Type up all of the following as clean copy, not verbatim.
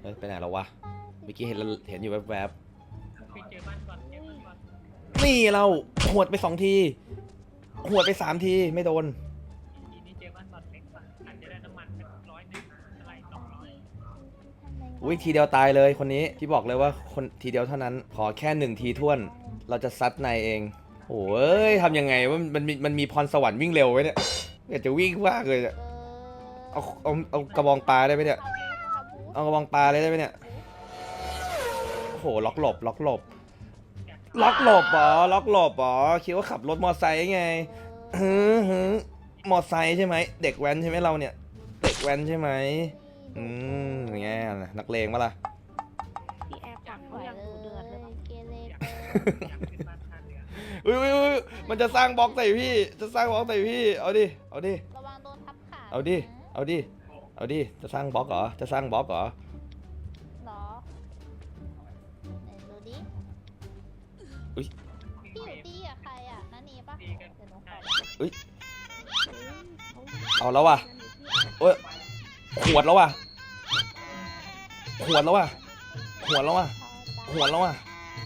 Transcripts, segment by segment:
ไปไหนแล้ววะเมื่อกี้เห็นอยู่แวบไปเจอบ้านก่อนเจอบ้านก่อนๆนี่เราหวดไป2 ทีหวดไป3 ทีไม่โดนทีนี้เจอบ้านก่อนเล็กกว่าอาจจะได้น้ำมันเป็น100อะไร200 อุ้ยทีเดียวตายเลยคนนี้พี่บอกเลยว่าคนทีเดียวเท่านั้นขอแค่1 ทีท่วนเราจะซัดนายเองโอ้ยทำยังไงว่ามันมีพรสวรรค์วิ่งเร็วไว้เนี่ยอยากจะวิ่งมากเลยเนี่ยเอากระบองปลาได้ไหมเนี่ยเอากระบองปลาเลยได้ไหมเนี่ยโอ้โหล็อกหลบล็อกหลบล็อกหลบอ๋อล็อกหลบอ๋อคิดว่าขับรถมอไซค์ไงฮึมอไซค์ใช่ไหมเด็กแว้นใช่ไหมเราเนี่ยเด็กแว้นใช่ไหมอย่างเงี้ยนักเลงปะล่ะพี่แอร์ปักไว้เลยเกเรอยากขึ้นบ้านท่าเรืออุ้ยมันจะสร้างบล็อกใส่พี่จะสร้างบล็อกใส่พี่เอาดิระวังโดนทับขาเอาดิจะสร้างบล็อกเหรอจะสร้างบล็อกเหรอหรอไหนดูดิอุ๊ยพี่อยู่ตีกับใครอ่ะนันนี่ปะเดี๋ยวหนูขอเอาแล้วว่ะโอ้ยขวดแล้วว่ะอุ้ยโดน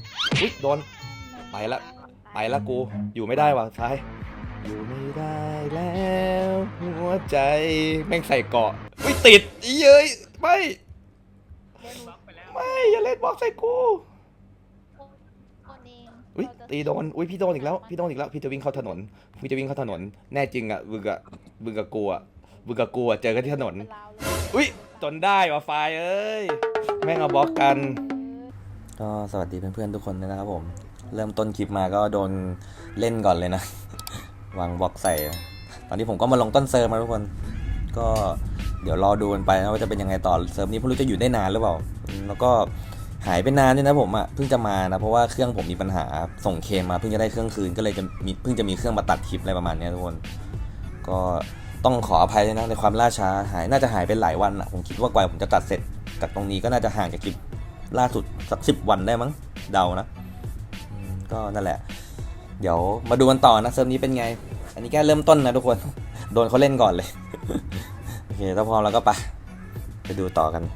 ไปละกูอยู่ไม่ได้ว่ะซ้ายอยู่ไม่ได้แล้วหัวใจแม่งใส่เกาะอุ้ยติดเย้ยไม่บล็อกไปแล้วไม่อย่าเล่นบล็อกใส่กูคนเองอุ้ยตีโดนอุ้ยพี่โดนอีกแล้วพี่จะวิ่งเข้าถนนแน่จริงอ่ะบึงกับกูอ่ะเจอกันที่ถนนเป็นลาวเลยอุ้ยจนได้ว่ะไฟเอ้ยแม่งเอาบล็อกกันก็สวัสดีเพื่อนๆทุกคนนะครับผมเริ่มต้นคลิปมาก็โดนเล่นก่อนเลยนะ วางบล็อกใส่ตอนนี้ผมก็มาลงต้นเซิร์ฟมาทุกคนก็เดี๋ยวรอดูกันไปนะว่าจะเป็นยังไงต่อเซิร์ฟนี้ไม่รู้จะอยู่ได้นานหรือเปล่าแล้วก็หายไปนานด้วยนะผมอ่ะเพิ่งจะมานะเพราะว่าเครื่องผมมีปัญหาส่งเคลมมาเพิ่งจะได้เครื่องคืนก็เลยเพิ่งจะมีเครื่องมาตัดคลิปอะไรประมาณนี้ทุกคนก็ต้องขออภัยด้วยนะในความล่าช้าน่าจะหายไปหลายวันอ่ะผมคิดว่ากว่าผมจะตัดเสร็จจากตรงนี้ก็น่าจะห่างจากคลิปล่าสุดสัก10 วันได้มั้งเดานะก็นั่นแหละเดี๋ยวมาดูกันต่อนะเซิร์ฟนี้เป็นไงอันนี้แค่เริ่มต้นนะทุกคน โดนเขาเล่นก่อนเลย โอเคถ้าพร้อมแล้วก็ไปดูต่อกัน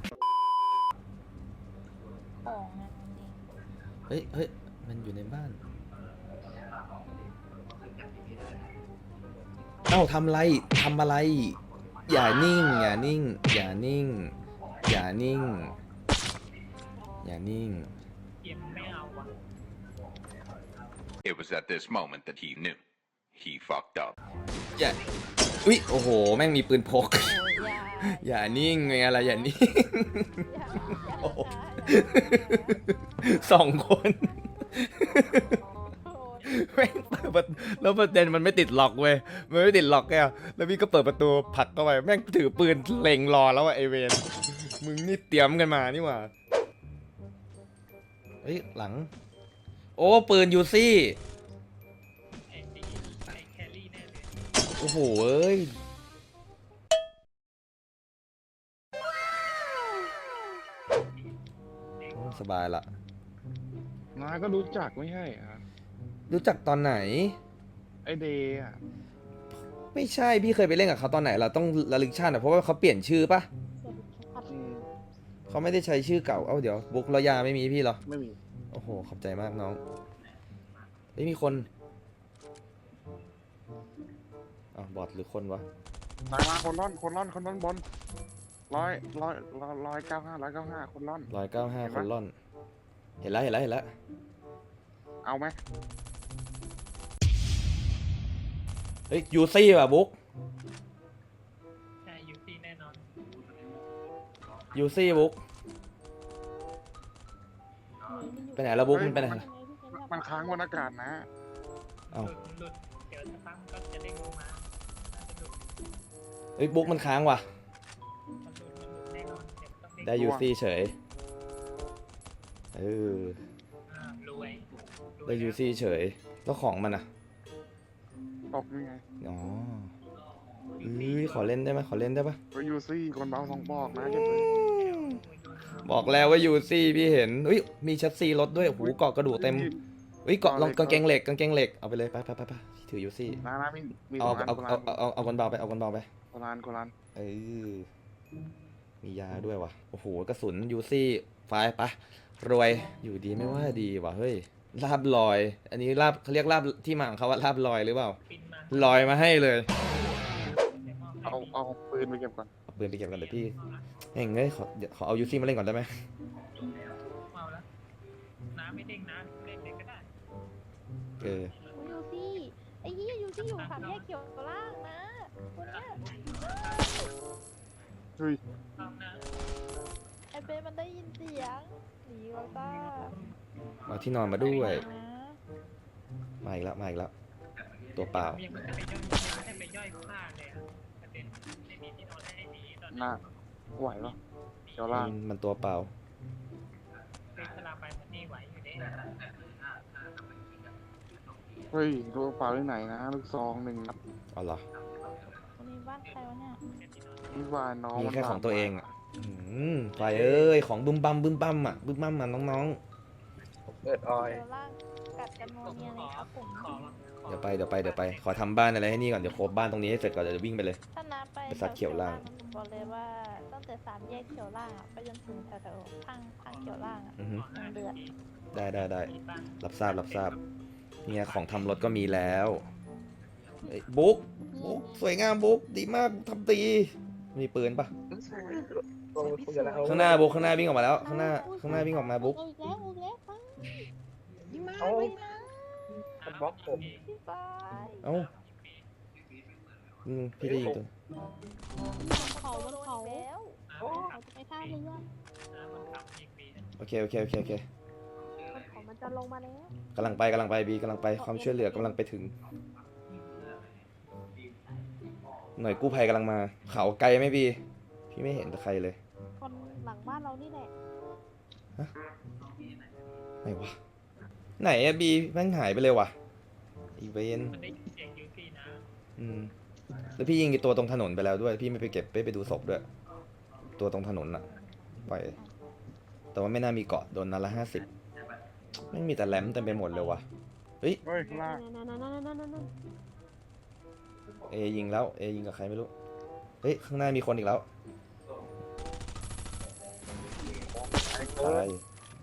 ของนะนันนี่เฮ้ยมันอยู่ในบ้านเอ้าทำอะไรอย่านิ่งเกมไม่เอาว่ะ It was at this moment that he knew. He fucked up. อย่าอุ๊ยโอ้โหแม่งมีปืนพกโอ้ยอย่านิ่งไงอะไรอย่านิ่ง โอ้โห 2 คน แม่งเปิดประตูแล้วประเด็นมันไม่ติดล็อกเว้ยมันไม่ติดล็อกแกแล้วพี่ก็เปิดประตูผลักเข้าไปแม่งถือปืนเล็งรอแล้วอะไอเวนมึงนี่เตรียมกันมานี่หว่าเฮ้ยหลังโอ้ปืนยูซี่ไอ้ตีไอ้แครี่แน่เลยโอ้โหเอ้ยสบายละน้าก็รู้จักไม่ใช่เหรอรู้จักตอนไหนไอเดย์อ่ะไม่ใช่พี่เคยไปเล่นกับเขาตอนไหนเราต้องระลึกชาติอะเพราะว่าเขาเปลี่ยนชื่อปะอืมเขาไม่ได้ใช้ชื่อเก่าเอ้าเดี๋ยวบุ๊กระยาไม่มีพี่เหรอไม่มีโอ้โหขอบใจมากน้องไม่มีคน บอทหรือคนวะมาคนร่อนบน195คนร่อน 195 คนล่อน เห็นแล้วเอาไหมเฮ้ยยูซี่ว่ะบุ๊กใช่ยูซีแน่นอนยูซี่บุ๊กไปไหนแล้วบุ๊กมันไปไหนล่ะมันค้างบนอากาศนะเอ้าหลุดเดี๋ยวสักพักมันก็จะเด้งลงมาน่าจะหลุดเฮ้ยบุ๊กมันค้างว่ะมันหลุดแน่นอนเดี๋ยวต้องเด้งได้ยูซี่เฉยเออรวยได้ยูซี่เฉยแล้วของมันอะตกยังไงอ๋อขอเล่นได้ไหมปะก็ยูซี่คนเบา2 บอกนะเก็บเลยบอกแล้วว่ายูซี่พี่เห็นอุ้ยมีชัดซีรถด้วยโอ้โหเกาะกระดูกเต็มอุ้ยเกาะลองกางเกงเหล็กเอาไปเลยไปถือยูซี่นะมีเอา 2 อันเอาคนเบาไปโคลานเออมียาด้วยวะโอ้โหกระสุนยูซี่ไฟปะรวยอยู่ดีไม่ว่าดีวะเฮ้ยลาบลอย อันนี้ลาบเขาเรียกลาบที่มาของเขาว่าลาบลอยหรือเปล่าปินมาลอยมาให้เลยเอาปืนไปเก็บก่อนเอาปืนไปเก็บกันเดี๋ยวพี่เฮ้ยเงยขอเอายูซี่มาเล่นก่อนได้ไหมเอาแล้วน้ำไม่เด้งน้ำเล่นเลยก็ได้เออยูซี่ไอ้ยี่ยูซี่อยู่สามแยกเขียวล่างนะคนเนี้ยเฮ้ยเอานะไอ้เบนมันได้ยินเสียงหนีวาต้าเอาที่นอนมาด้วยนะมาอีกแล้วมาอีกแล้วตัวเปล่ายังไม่ได้ไปย่อยผ้าเลยอะประเด็นไม่มีที่นอนให้ดีตอนหนี้น้าไหวปะเดี๋ยวล่างมันตัวเปล่าเป็นสลาไปมันนี่ไหวอยู่เด้เฮ้ยตัวเปล่าที่ไหนนะลูกซอง1 นัดเอาเหรอวันนี้บ้านใครวะเนี่ยนี่ว่าน้องมีมันแค่ของตัวเองอ่ะอ่ะไฟเอ้ยของบึ้มบัมบึ้มบัมอ่ะบึ้มบัมอ่ะน้องเปิดออยเขียวล่างกัดกันโมเนียเลยครับผมๆเดี๋ยวไปขอทำบ้านอะไรให้นี่ก่อนเดี๋ยวโคบบ้านตรงนี้ให้เสร็จก่อนเดี๋ยวจะวิ่งไปเลยถ้านับไปไปสัตว์เขียวล่างผมบอกเลยว่าตั้งแต่สามแยกเขียวล่างอะไปจนถึงแถวๆทางเขียวล่างอะอือฮึยังเดือดได้รับทราบเนี่ยของทำรถก็มีแล้วเอ้ยบุ๊กสวยงามบุ๊กดีมากทำตีมีปืนปะข้างหน้าบุ๊กข้างหน้าวิ่งออกมาแล้วข้างหน้าวิ่งออกมาบุ๊กเอาอีกแล้วไปยิ่งมาเอาไปนะมันบล็อกผมพี่บายเอ้าพี่ได้ยิงตัวเขาแล้ว เขาจะไปท่าเรือโอเคเขามันจะลงมาแล้วกำลังไปบีกำลังไปความช่วยเหลือกำลังไปถึง หน่วยกู้ภัยกำลังมาเขาไกลไหมบีพี่ไม่เห็นใครเลยคนหลังบ้านเรานี่แหละไหนวะไหนอะบีแม่งหายไปเลยวะอีเวนมันได้ยินเสียงยูซี่นะแล้วพี่ยิงไอ้ตัวตรงถนนไปแล้วด้วย พี่ไม่ไปเก็บไปดูศพด้วย ตัวตรงถนนอะปล่อยแต่ว่าไม่น่ามีเกาะโดนนัดละ50ไม่งมีแต่แหลมเต็มไปหมดเลยวะเฮ้ยเฮ้ยข้างล่างนั่นเอยิงแล้วเอยิงกับใครไม่รู้เฮ้ยข้างหน้ามีคนอีกแล้วไอ้เกิตาร์ย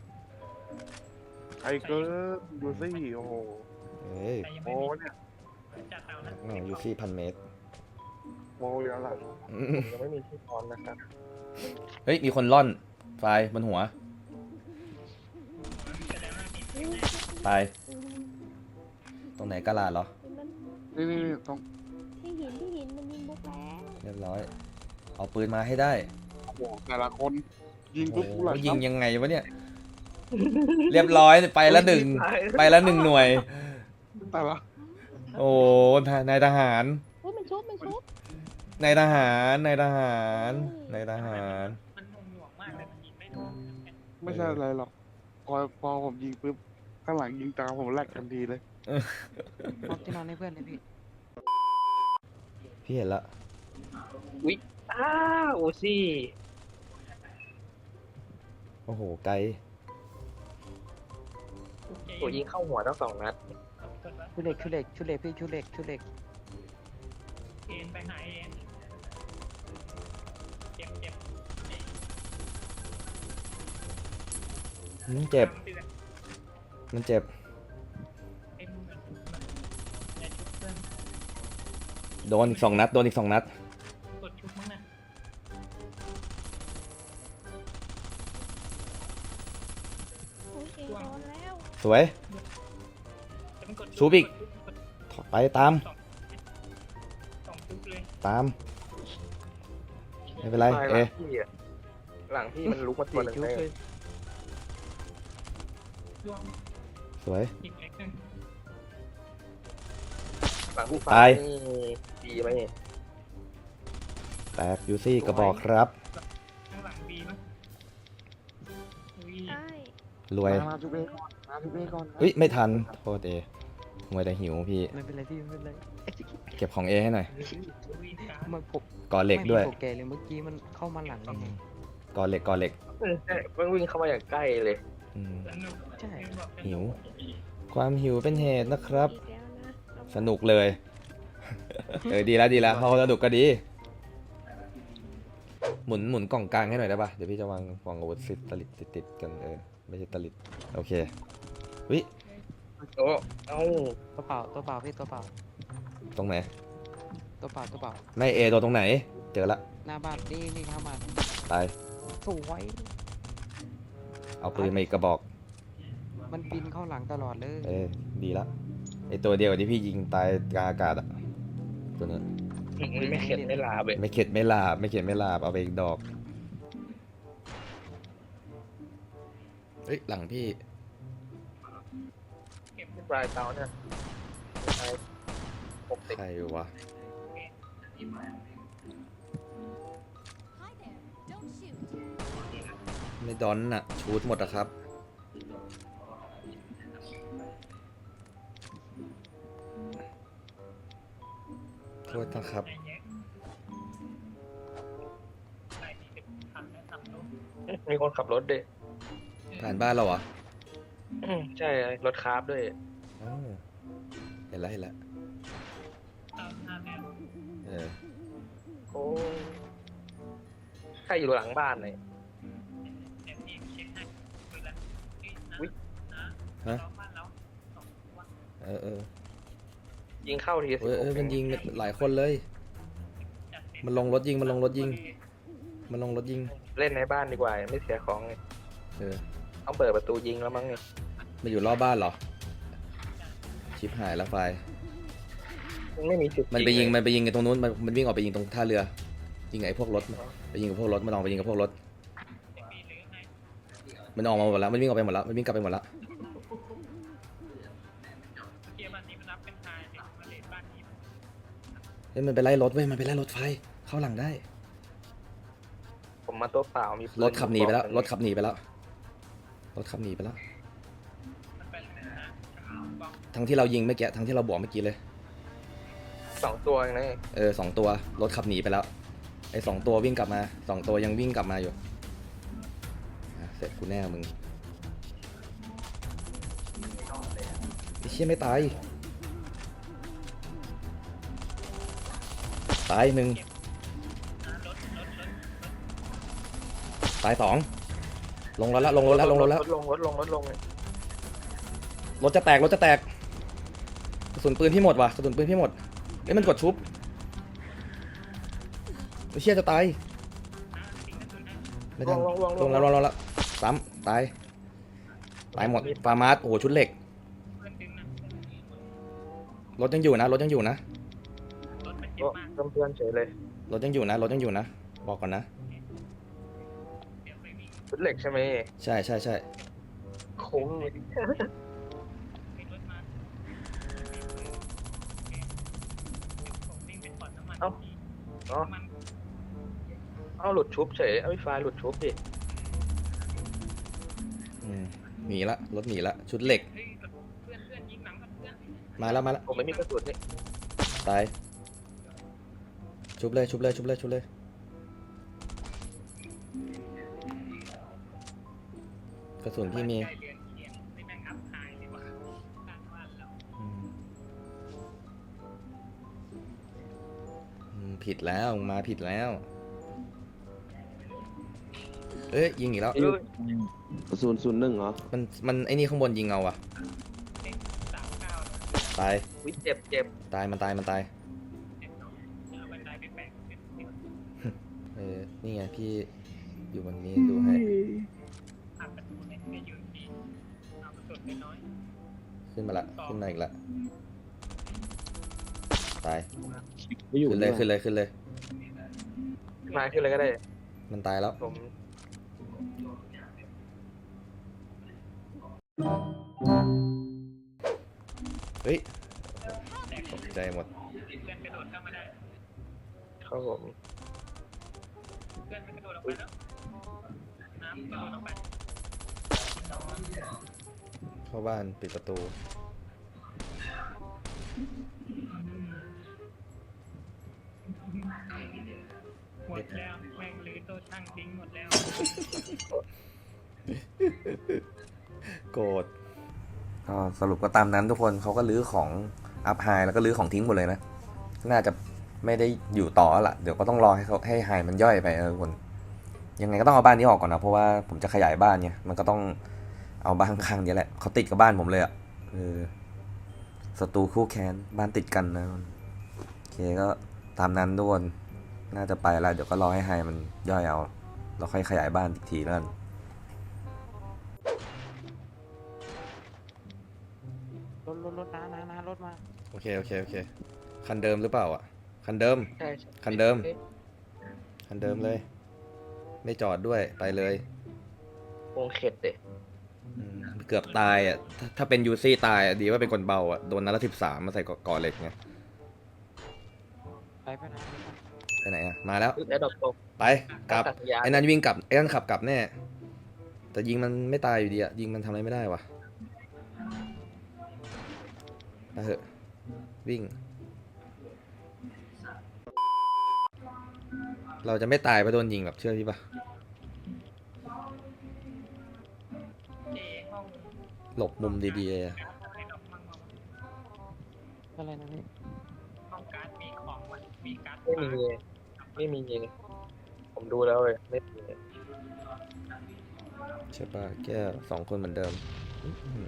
ไอ้เกิร์ดูสิโอ้โหเฮ้ยแต่ยังโอ้ไม่มีเนี่ยจัดเอานะแม่งยูซี่1,000 เมตรโมเรียวหลังยังไม่มีที่นอนนะครับเฮ้ยมีคนล่อนไฟบนหัวแสดงว่ามีตายตรงไหนกะลาดเหรอนี่ต้องที่หินมันยิงบุกแล้วเรียบร้อย เอาปืนมาให้ได้โอ้โหแต่ละคนยิงโอ้ปุ๊บโหกูหลังยิงยังไงวะเนี่ย เรียบร้อยไปละหนึ่งไปละ1 หน่วยแต่ละโอ้นายทหารเฮ้ยมันชุบนายทหารมันหน่วงมากเลยมันยิงไม่โดนไม่ใช่อะไรหรอกพอผมยิงปุ๊บข้างหลังยิงตามผมแลกทันทีเลยนอนที่นอนให้เพื่อนเลยพี่พี่เห็นละอ้าโอซี่โอ้โหไกลตัวยิงเข้าหัวทั้ง2 นัดชุเล็กพี่ชุเล็กเอ็นไปหาเอ็นเจ็บเจ็บ มันเจ็บเอ็นเหมือนในชุดเพื่อนโดนอีก 2 นัดกดชุบมั้งนะโอเคโดนแล้วสวยแต่มันกดชุบอีก ไปตามสองชุบเลยไม่เป็นไร เอหลังพี่มันลุกมาตัวหนึ่งเลยช่วงสวยอีกเล็กนึงหลังพี่ตายนี่ดีไหมแตกยูซี่กระบอกครับข้างหลังบีมั้งอุ้ยใช่รวยมาทุบเอก่อนมาทุบเอก่อนเฮ้ย ไม่ทัน โทษเอมวยแต่หิวพี่ไม่เป็นไรพี่ไม่เป็นไรเก็บของเอให้หน่อยอุ้ยการมันผมก่อเหล็กด้วยไม่มีโปรแกรมเลยเมื่อกี้มันเข้ามาหลังยังไงก่อเหล็กใช่มันวิ่งเข้ามาอย่างใกล้เลยอืมสนุกใช่หิว ความหิวเป็นเหตุนะครับอีกแล้วนะสนุกเลย ดีแล้วเขาสนุกก็ดีหมุนกล่องกลางให้หน่อยได้ปะเดี๋ยวพี่จะวางอาวุธตลิดติดกันไม่ใช่ตลิดโอเควิโอ้เอ้าตัวเปล่าตัวเปล่าพี่ตัวเปล่าตรงไหนตัวเปล่าตัวเปล่าไม่โดนตรงไหนเจอละหน้าบ้านนี่ข้างบ้านตายสวยเอาปืนมาอีกกระบอกมันบินเข้าหลังตลอดเลยดีละไอตัวเดียวที่พี่ยิงตายกลางอากาศอะตัวนั้นไม่เข็ดไม่ลาเว้ยไม่เข็ดไม่ลาบเอาไปอีกดอกเฮ้ยหลังพี่ปลายเตาเนี่ยใครวะ Hi there. Don't shoot. ไม่ดอนน่ะชูดหมดอะครับโทษนะครับมีคนขับรถด้วยผ่านบ้านเราเหรอใช่รถคาร์บด้วยอ้าวเห็นแล้วโอ้ใครอยู่หลังบ้านเลยฮะยิงเข้าทีมันยิงหลายคนเลย มันลงรถยิงเล่นในบ้านดีกว่าไม่เสียของเลยต้องเปิดประตูยิงแล้วมั้งเนี่ยมันอยู่รอบบ้านเหรอ ชิปหายแล้วไฟไม่มีจุดมันไปยิงกันตรงนู้นมันวิ่งออกไปยิงตรงท่าเรือ ยิงไอ้พวกรถไปยิงกับพวกรถมันออกไปยิงกับพวกรถ มันออกมาหมดแล้วมันวิ่งออกไปหมดแล้วมันวิ่งกลับไปหมดแล้วเกียร์บ้านนี้มันรับเป็นทายเด็กมาเลนบ้านนี้เฮ้ยมันไปไล่รถเว้ยมันไปไล่รถไฟเข้าหลังได้ผมมาตัวเปล่ามีรถขับหนีไปแล้วรถขับหนีไปแล้วทั้งที่เรายิงเมื่อกี้ทั้งที่เราบวกเมื่อกี้เลย 2 ตัวเองนะ 2 ตัวรถขับหนีไปแล้วไอ้2 ตัววิ่งกลับมา2 ตัวยังวิ่งกลับมาอยู่เสร็จกูแน่มึงไอ้เชี่ยไม่ตาย1ตาย2ลงรถแล้วลงรถลงรถจะแตกกระสุนปืนพี่หมดว่ะเอ้ยมันกดชุบไอ้เชี่ยจะตายไม่ทันลงแล้วซ้ำตายหมดฟาร์มาสโอ้โหชุดเหล็กรถยังอยู่นะเพื่อนเฉยเลยรถยังอยู่นะบอกก่อนนะชุดเหล็กใช่ไหมใช่คุ้ม เอาหลุดชุบเฉยเอาไฟหลุดชุบดิหนีละรถหนีละชุดเหล็กมาแล้วผมไม่มีกระสุนนี่ตายชุบเลยกระสุนพี่มีผิดแล้วมาผิดแล้วเอ้ยยิงอีกแล้ว 001เหรอมันไอ้นี่ข้างบนยิงเอาอ่ะตายวิเจ็บตายมันตายนี่ไงพี่อยู่บนนี้ดูให้ขึ้นมาอีกละตายขึ้นเลยมาขึ้นเลยก็ได้มันตายแล้วผมเฮ้ยตกใจหมดเข้าผมเข้าบ้านปิดประตูหมดแล้วแม่งลื้อโต๊ะช่างทิ้งหมดแล้วโกรธก็สรุปก็ตามนั้นทุกคนเขาก็ลื้อของอัพไฮแล้วก็ลื้อของทิ้งหมดเลยนะน่าจะไม่ได้อยู่ต่อแล้วล่ะเดี๋ยวก็ต้องรอให้เขาให้ไฮมันย่อยไปคนยังไงก็ต้องเอาบ้านนี้ออกก่อนนะเพราะว่าผมจะขยายบ้านไงมันก็ต้องเอาบ้านข้างๆนี้แหละเขาติดกับบ้านผมเลยอ่ะศัตรูคู่แค้นบ้านติดกันนะโอเคก็ตามนั้นทุกคนน่าจะไปแล้วเดี๋ยวก็รอให้ไฮมันย่อยเอาเราค่อยขยายบ้านอีกทีแล้วกันรถนะรถมาโอเคคันเดิมหรือเปล่าอ่ะคันเดิมใช่คันเดิม คันเดิมเลย ไม่จอดด้วยไปเลยวงเข็ดเด็เกือบตายอ่ะถ้าเป็นยูซี่ตายอ่ะดีว่าเป็นคนเบาอ่ะโดนนัดละ13มาใส่ก่อเหล็กไงไปนะไปไหนอ่ะมาแล้วแล้วดอกตกไปกลับไอ้นั่นวิ่งกลับไอ้นั่นขับกลับแน่แต่ยิงมันไม่ตายอยู่ดีอ่ะยิงมันทำอะไรไม่ได้วะไปเถอะวิ่ง เราจะไม่ตายเพราะโดนยิงแบบเชื่อพี่ปะเจห้องหลบมุมดีๆอะในดอกมังงอะไรนะพี่ห้องการ์ดมีของมันมีการ์ดไม่มีผมดูแล้วเลยไม่มีใช่ปะแก้ว2 คนเหมือนเดิมอื้อหือ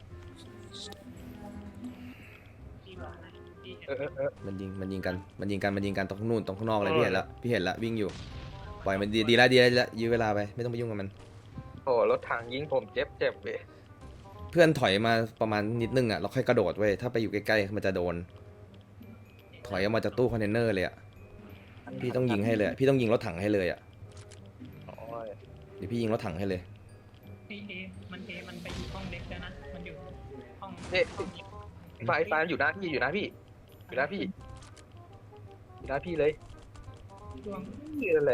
ที่ว่าไหนที่มันยิงกันตรงนู่นตรงข้างนอกเลยพี่เห็นละวิ่งอยู่ปล่อยมันดีแล้วยื้อเวลาไปไม่ต้องไปยุ่งกับมันโอ้รถถังยิงผมเจ็บเลยเพื่อนถอยมาประมาณนิดนึงอ่ะเราค่อยกระโดดเว้ยถ้าไปอยู่ใกล้ๆมันจะโดน ถอยออกมาจากตู้คอนเทนเนอร์เลยอ่ะพี่ต้องยิงให้เลยอะพี่ต้องยิงรถถังให้เลยอ่ะโอ้ยเดี๋ยวพี่ยิงรถถังให้เลยมันไปอยู่ห้องเล็กแล้วนะมันอยู่ห้องไฟอยู่หน้าพี่อยู่หน้าพี่เลยช่วงนี่แหละ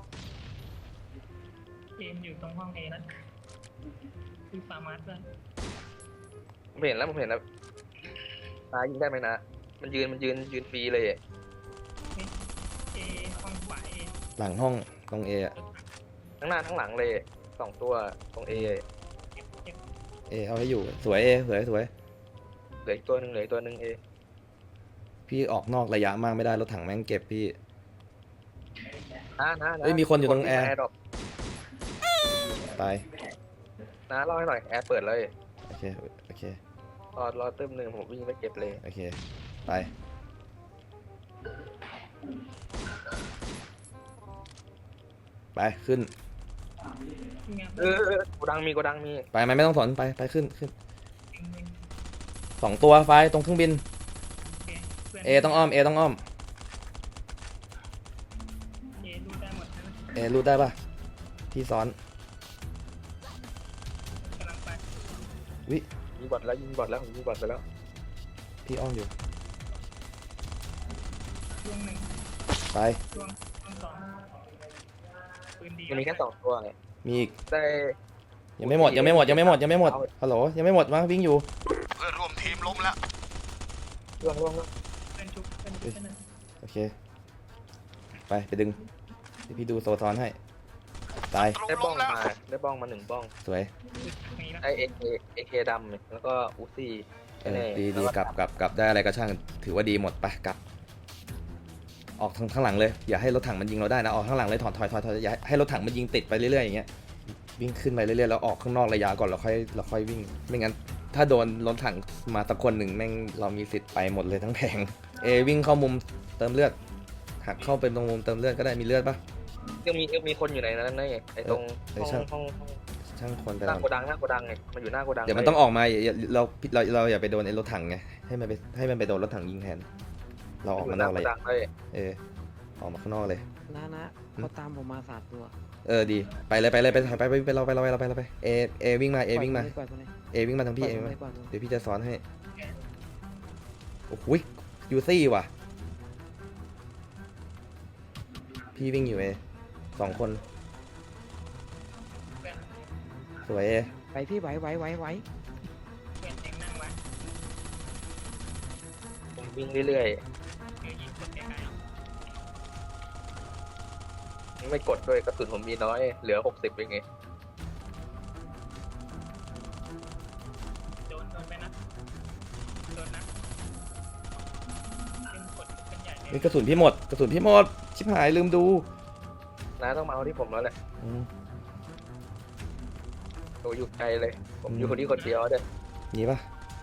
เกมอยู่ตรงห้องเอนั้นคือฟาร์มัสเลยผมเห็นแล้วนายิงได้ไหมนะมันยืนฟรีเลยเอห้องขวาเอหลังห้องตรงเออะทั้งหน้าทั้งหลังเลย2 ตัวตรง A เก็บเอเอาให้อยู่สวยเอสวยเหลืออีกตัวหนึ่ง A พี่ออกนอกระยะมากไม่ได้รถถังแม่งเก็บพี่นะเฮ้ยมีคนอยู่ตรงแอร์ดอกตายนะเล่าให้หน่อยแอร์เปิดเลยโอเครอเติมหนึ่งผมวิ่งไปเก็บเลยโอเคไปขึ้นงานโกดังมีไปไม่ต้องสนไปขึ้น2 ตัวไฟตรงเครื่องบินเอต้องอ้อมเอดูได้หมดนะเอรูดได้ปะพี่ซ้อนกำลังไปยิงบอดแล้วผมยิงบอดไปแล้วพี่อ้อมอยู่ช่วงหนึ่งไปช่วงสองปืนดีมันมีแค่2 ตัวไงมีอีกได้ยังไม่หมดฮัลโหลยังไม่หมดวะวิ่งอยู่เพื่อนร่วมทีมล้มแล้วล่วงเป็นชุบเป็นหนึ่งโอเคไปดึงเดี๋ยวพี่ดูโซทอนให้ตายได้บ้องมา1 บ้องสวยมีแล้วได้ AK ดำแล้วก็อูซี่ดีกลับได้อะไรก็ช่างถือว่าดีหมดไปกลับออกข้างหลังเลยอย่าให้รถถังมันยิงเราได้นะออกข้างหลังเลยถอยอย่าให้รถถังมันยิงติดไปเรื่อยๆอย่างเงี้ยวิ่งขึ้นไปเรื่อยๆแล้วออกข้างนอกระยะก่อนเราค่อยวิ่งไม่งั้นถ้าโดนรถถังมาตะคนหนึ่งแม่งเรามีสิทธิ์ไปหมดเลยทั้งแผงวิ่งเข้ามุมเติมเลือดหักเข้าเป็นตรงมุมเติมเลือดก็ได้มีเลือดปะยังมีคนอยู่ในนั้นไงไอ้ตรงห้องช่างคนไปหน้าโกดังไงมันอยู่หน้าโกดังเดี๋ยวมันต้องออกมาเราอย่าไปโดนไอ้รถถังไงให้มันไปโดนรถถังยิงแทนเราออกมานอกเลยโกดังเลยออกมาข้างนอกเลยนะเขาตามผมมา3 ตัวดีไปเลยไปถอยไปเราวิ่งมาวิ่งมาปล่อยไปเลยวิ่งมาทางพี่ปล่อยมาไปเลยเดี๋ยวพี่จะสอนให้โอ้โหยูซี่ว่ะพี่วิ่งอยู่2 คนสวยไปพี่ไหวเพื่อนเองนั่งไว้ผมวิ่งเรื่อยเดี๋ยวยิงคนไกลๆเอาๆไม่กดด้วยกระสุนผมมีน้อยเหลือ60เองไงโดนไปนะโดนนะเป็นกดเป็นใหญ่เลยนี่กระสุนพี่หมดกระสุนพี่หมดชิบหายลืมดูน้าต้องมาเอาที่ผมแล้วแหละอืมโอ้อยู่ไกลเลย ผมอยู่คนที่คนเดียวเด้อนี่ปะ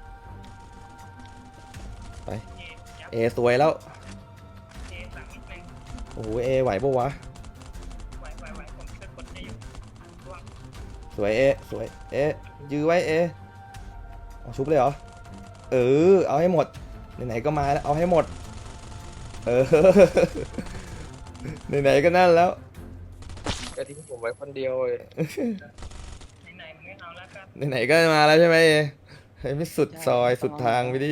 ไปเอยับเอสวยแล้วเอสั่งนิดนึงโอ้โหเอไหวปะวะไหวผมจะกดให้อยู่ร่วงสวยเอสวยเอยื้อไว้เอเอาชุบเลยเหรอเออเอาให้หมดไหนๆก็มาแล้วเอาให้หมดเออ ไหนๆก็นั่นแล้วก็ทิ้งผมไว้คนเดียวเลยไหนๆมึงไม่เอาแล้วกันไหนๆก็มาแล้วใช่ไหมเอให้ไม่สุดซอยสุดทางไปดิ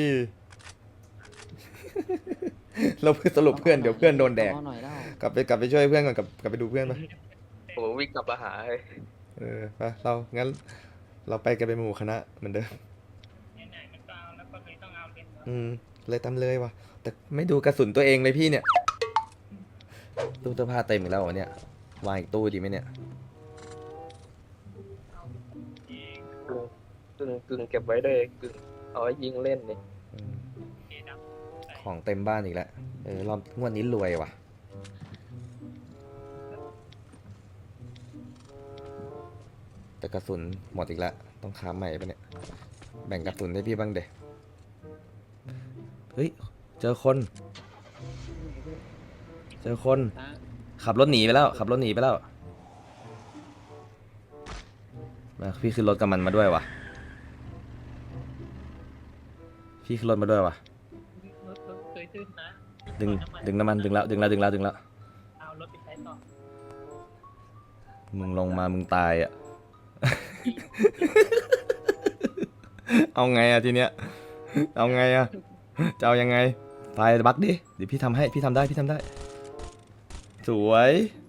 เราเพื่อสรุปเพื่อนเดี๋ยวเพื่อนโดนแดกเอาหน่อยเล่ากลับไปช่วยเพื่อนก่อนกลับไปดูเพื่อนไปผมวิ่งกลับมาหาเลยเออไปเรางั้นเราไปกันเป็นหมู่คณะเหมือนเดิมไหนๆมันก็เอาแล้วก็เลยต้องเอาเล่นเลยตามเลยว่ะแต่ไม่ดูกระสุนตัวเองเลยพี่เนี่ยตู้เสื้อผ้าเต็มอีกแล้วเหรอเนี่ยวางอีกตู้ดีไหมเนี่ยเองกึ่งเก็บไว้เลยกึ่งเอาไว้ยิงเล่นนี่อืมเอดับของเต็มบ้านอีกแล้วรอบงวดนี้รวยว่ะแต่กระสุนหมดอีกแล้วต้องค้าใหม่ปะเนี่ยแบ่งกระสุนให้พี่บ้างเดเฮ้ยเจอคนขับรถหนีไปแล้วมาพี่ขึ้นรถกับมันมาด้วยว่ะพี่ขึ้นรถมาด้วยว่ะรถเคยตื้นนะดึงน้ำมันดึงแล้วเอารถไปใช้ต่อมึงลงมามึงตายอ่ะ เอาไงอ่ะทีเนี้ยเอาไงอ่ะจะเอายังไงไปบักดิเดี๋ยวพี่ทำให้พี่ทำได้สวย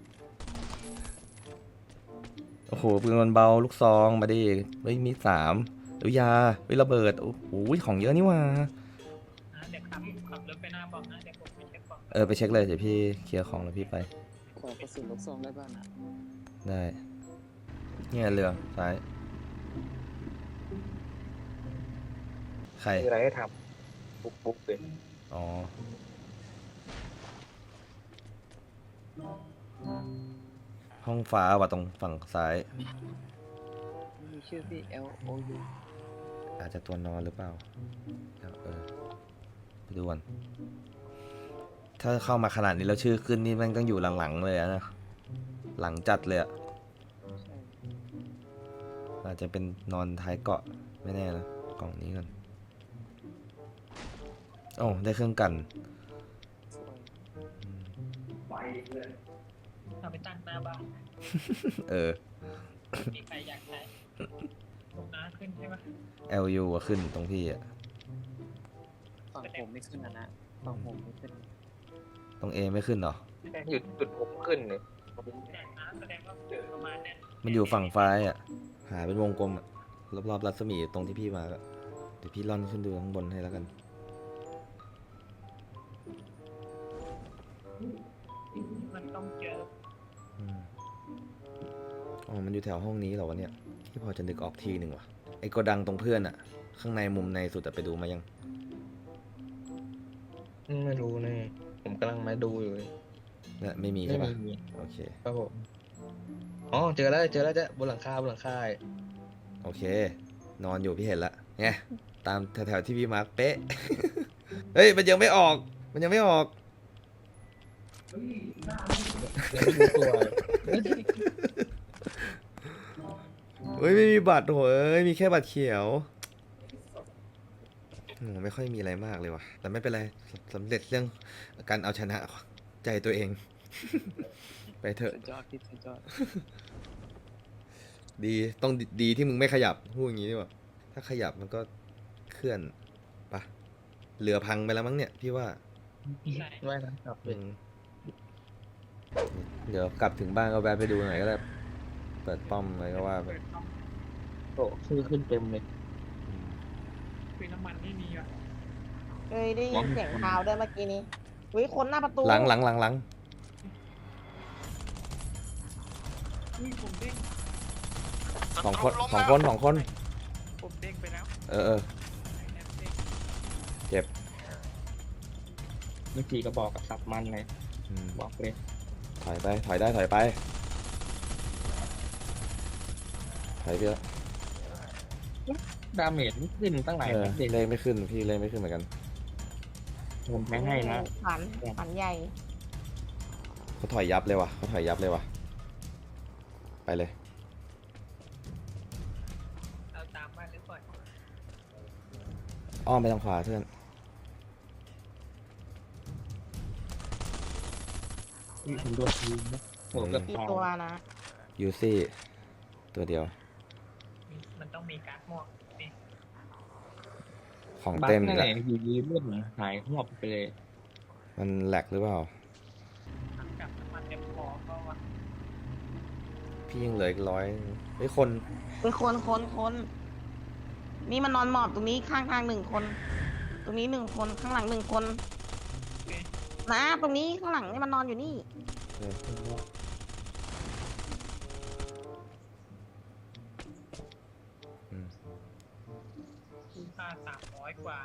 โอ้โหปืนมันเบาลูกซองมาดิเฮ้ยมี3หรือยาเฮ้ยระเบิดโอ้โหของเยอะนี่หว่าเดี๋ยวขับรถไปหน้าบอกนะเดี๋ยวผมไปเช็คบอกไปเช็คเลยเดี๋ยวพี่เคลียร์ของแล้วพี่ไปขอกระสุนลูกซองได้บ้างนะได้เนี่ยเรือซ้ายใครมีอะไรให้ทำปุ๊บเลยอ๋อห้องฟ้าว่ะตรงฝั่งซ้ายมีชื่อพี่ L O U อาจจะตัวนอนหรือเปล่าไปดูก่อนถ้าเข้ามาขนาดนี้แล้วชื่อขึ้นนี่แม่งต้องอยู่หลังๆเลยอะนะหลังจัดเลยอะใช่อาจจะเป็นนอนท้ายเกาะไม่แน่นะกล่องนี้กันโอ้ได้เครื่องกันสวยเอาไปตั้งหน้าบ้าน มีใครอยากใช้ตรงน้าขึ้นใช่ไหม LU อะขึ้นตรงพี่อะฝั่งผมไม่ขึ้นนะฝั่งผมไม่ขึ้นตรง A ไม่ขึ้นเหรอหยุดจุดผมขึ้นเนี่ยแต่น้าแสดงว่าประมาณนั้นมันอยู่ฝั่งซ้ายอะหาเป็นวงกลมอะรอบๆรัศมีตรงที่พี่มาก็เดี๋ยวพี่ล่อนขึ้นดูข้างบนให้แล้วกันมันต้องเจออ๋อมันอยู่แถวห้องนี้เหรอวะเนี่ยที่พอจะนึกออกทีหนึ่งว่ะไอ้โกดังตรงเพื่อนอะข้างในมุมในสุดอะไปดูมายังไม่รู้เลยผมกำลังมาดูอยู่เลยเนี่ยไม่มีไม่ใช่ปะมีโอเคครับผมอ๋อเจอแล้วจ้ะบนหลังคาโอเค นอนอยู่พี่เห็นละไงตามแถวๆที่พี่มาร์คเป๊ะ เฮ้ยมันยังไม่ออกยังไม่รู้ตัวเฮ้ยไม่มีบัตรโหยมีแค่บัตรเขียวไม่ค่อยมีอะไรมากเลยว่ะแต่ไม่เป็นไรสำเร็จเรื่องการเอาชนะใจตัวเอง ไปเถอะสุดยอดพี่สุดยอดดีต้องดีที่มึงไม่ขยับพูดอย่างนี้ดีกว่าถ้าขยับมันก็เคลื่อนปะเรือพังไปแล้วมั้งเนี่ยพี่ว่าใช่ไม่นะครับเดี๋ยวกลับถึงบ้านก็แวะไปดูหน่อยก็ได้เปิดป้อมอะไรก็ว่าไปเปิดต้องโอ้ชื่อขึ้นเต็มเลยคุยน้ำมันไม่มีว่ะเอ้ยได้ยินเสียงเท้าด้วยเมื่อกี้นี้อุ้ยคนหน้าประตูหลังอุ้ยผมเด้งสองคนผมเด้งไปแล้วเออแอบเด้งเจ็บมื่อกี้ก็บอกกับสับมันเลยอืมบอกเลยถอยไปถอยได้ถอยไปถอยไปแล้วดาเมจไม่ขึ้นตั้งหลายเออนัดเด็กเลขไม่ขึ้นพี่เลขไม่ขึ้นเหมือนกันผมแพ้ให้นะฝันใหญ่เขาถอยยับเลยว่ะเขาถอยยับเลยว่ะไปเลยเอาตามบ้านหรือปล่อยอ้อมไปทางขวาเพื่อนผมโดนทีมนะโหเกือบกี่ตายตัวนะยูซี่ตัวเดียวมันต้องมีการ์ดม่วงนี่ของบัคเต็มนั่นแหแหละละอยู่ดีเลือดหายหอบไปเลยมันแหลกหรือเปล่าหลังจากน้ำมันเต็มพอก็ว่าพี่ยังเหลืออีก100เฮ้ยคนเป็นคนนี่มันนอนหมอบตรงนี้ข้างทางหนึ่งคน ตรงนี้หนึ่งคนข้างหลังหนึ่งคนนะตรงนี้ข้างหลังนี่มันนอนอยู่นี่เอออืมค่า300 กว่า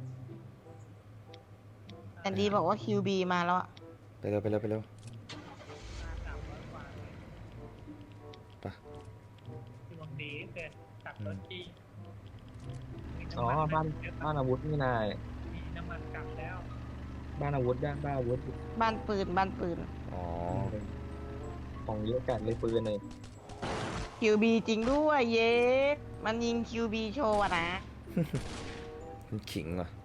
แอนดี้บอกว่า QB มาแล้วอะไปเร็วไปเร็วไปเร็วค่า300 กว่าเลยไปดวงดีเกินขับรถจี้มีอ๋อน้ำมันบ้านอาวุธนี่นายมีน้ำมันกลับแล้วบ้านอาวุธบ้านอาวุธบ้านปืนอ๋อของเยอะจัดเลยปืนเลย QB จริงด้วยเย้มันยิง QB โชว์อะนะมันขิงว่ะ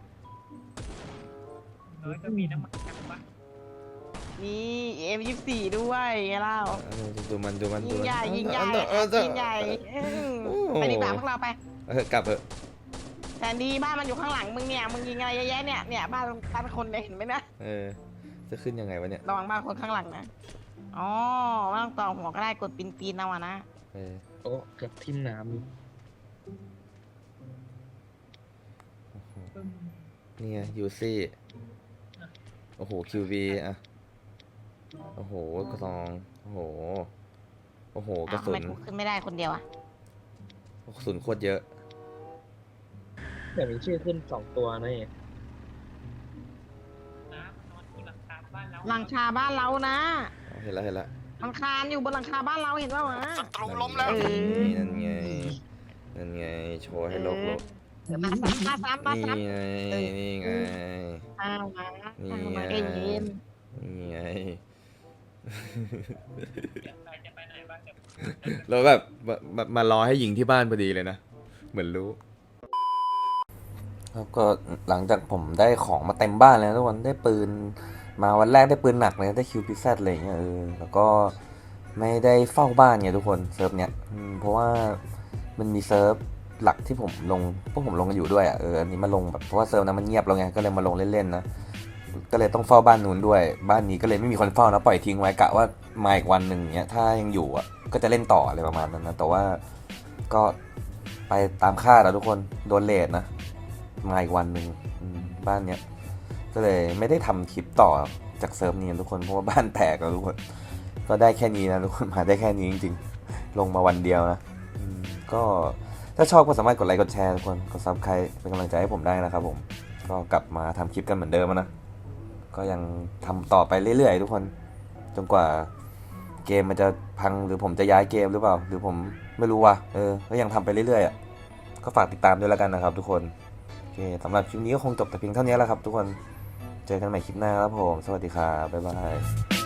น้อยก็มีน้ำมันกลับบ้างนี่ M24 ด้วยไงเล่าดูมันดูมันยิงใหญ่ดูมันยิงใหญ่เออเออยิงใหญ่โอ้ไปดีกว่าพวกเราไปเออกลับเถอะแต่ดีบ้านมันอยู่ข้างหลังมึงเนี่ยมึงยิงอะไรเยอะแยะเนี่ยบ้านคนเนี่ยเห็นไหมนะเออจะขึ้นยังไงวะเนี่ยระวังบ้านคนข้างหลังนะอ๋อไม่ต้องต่อหัวก็ได้กดปีนเอาอะนะเออโอ้เกือบทิ่มน้โอ้โหปึ้มนี่ไงยูซี่โอ้โหคิวบีอ่ะโอ้โหกระซองโอ้โหโอ้โหกระทำสุไมนกูขึ้นไม่ได้คนเดียวอะกระสุนโคตรเยอะำแต่มีชื่อขึ้น2 ตัวนะนี่น้ำนอนบนหลังคาบ้านเราหลังคาบ้านเรานะเห็นแล้วเห็นแล้วหลังคาอยู่บนหลังคาบ้านเราเห็นป่าวะนั่นไงนั่นไงโชว์ให้โลกโลกมาซ้ำนี่ไงนี่ไงเอามานี่เอาไงมาเอ็นนี่ไงเดี๋ยวใครจะไปไหนบ้างเดี๋ยวแล้วแบบมารอให้ยิงที่บ้านพอดีเลยนะ เหมือนรู้ครับก็หลังจากผมได้ของมาเต็มบ้านแล้วทุกคนได้ปืนมาวันแรกได้ปืนหนักเลยได้คิวพิซซ่อะไรอย่างเงี้ยแล้วก็ไม่ได้เฝ้าบ้านไงทุกคนเซิร์ฟเนี้ยเพราะว่ามันมีเซิร์ฟหลักที่ผมลงพวกผมลงกันอยู่ด้วยอันนี้มาลงแบบเพราะว่าเซิร์ฟนั้นมันเงียบแล้วไงก็เลยมาลงเล่นๆนะก็เลยต้องเฝ้าบ้านนู้นด้วยบ้านนี้ก็เลยไม่มีคนเฝ้านะปล่อยทิ้งไว้กะว่ามาอีกวันหนึ่งเนี้ยถ้ายังอยู่ก็จะเล่นต่ออะไรประมาณนั้นนะแต่ว่าก็ไปตามคาดแล้วทุกคนโดนเลทนะมาอีกวันหนึ่งบ้านเนี้ยก็เลยไม่ได้ทำคลิปต่อจากเซิร์ฟนี้ทุกคนเพราะว่าบ้านแตกแล้วทุกคนก็ได้แค่นี้นะทุกคนมาได้แค่นี้จริงๆลงมาวันเดียวนะก็ถ้าชอบก็สามารถกดไลค์กดแชร์ทุกคนกดซับสไครป์เป็นกำลังใจให้ผมได้นะครับผมก็กลับมาทำคลิปกันเหมือนเดิมนะก็ยังทำต่อไปเรื่อยๆทุกคนจนกว่าเกมมันจะพังหรือผมจะย้ายเกมหรือเปล่าหรือผมไม่รู้ว่ะก็ยังทำไปเรื่อยๆก็ฝากติดตามด้วยแล้วกันนะครับทุกคนโอเคสำหรับคลิปนี้ก็คงจบแต่เพียงเท่านี้แล้วครับทุกคนเจอกันใหม่คลิปหน้าครับผมสวัสดีครับบ๊ายบาย